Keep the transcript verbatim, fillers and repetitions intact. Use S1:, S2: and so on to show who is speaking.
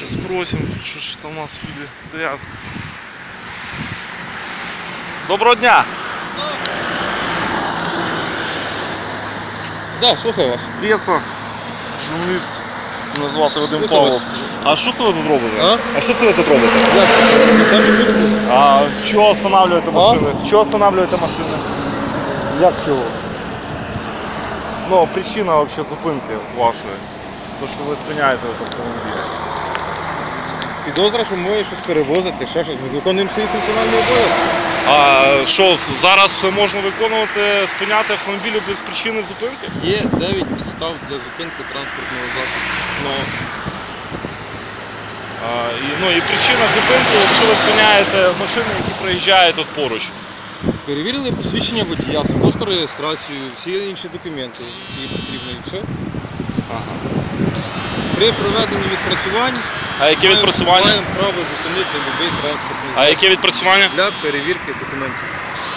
S1: Сейчас спросим, что ж там у нас люди стоят. Доброго дня!
S2: Да, слухаю вас.
S1: Преса, журналіст, мене звати Вадим Павлов. А що це ви тут робите?
S2: А?
S1: А що це ви тут робите?
S2: Як? Самі тут?
S1: А чого останавливаєте машини? Чого останавливаєте машини?
S2: Як чого?
S1: Ну, причина вообще зупинки от вашої. То, що ви спиняєте автомобіль.
S2: Підозра, що моє щось перевозити, ще щось. Ми виконуємо свої функціональні обов'язки.
S1: А що, зараз можна виконувати, спиняти автомобілі без причини зупинки?
S2: Є дев'ять підстав для зупинки транспортного засобу.
S1: Ну, а, і, ну і причина зупинки, якщо ви спиняєте машини, які проїжджають тут поруч.
S2: Перевірили посвідчення водія, свідоцтво реєстрацію, всі інші документи, які потрібні, і все.
S1: Ага.
S2: При проведенні відпрацювань
S1: А яке відпрацювання?
S2: маємо право зупинити будь-який транспортний
S1: А
S2: засіб
S1: яке відпрацювання?
S2: для перевірки документів.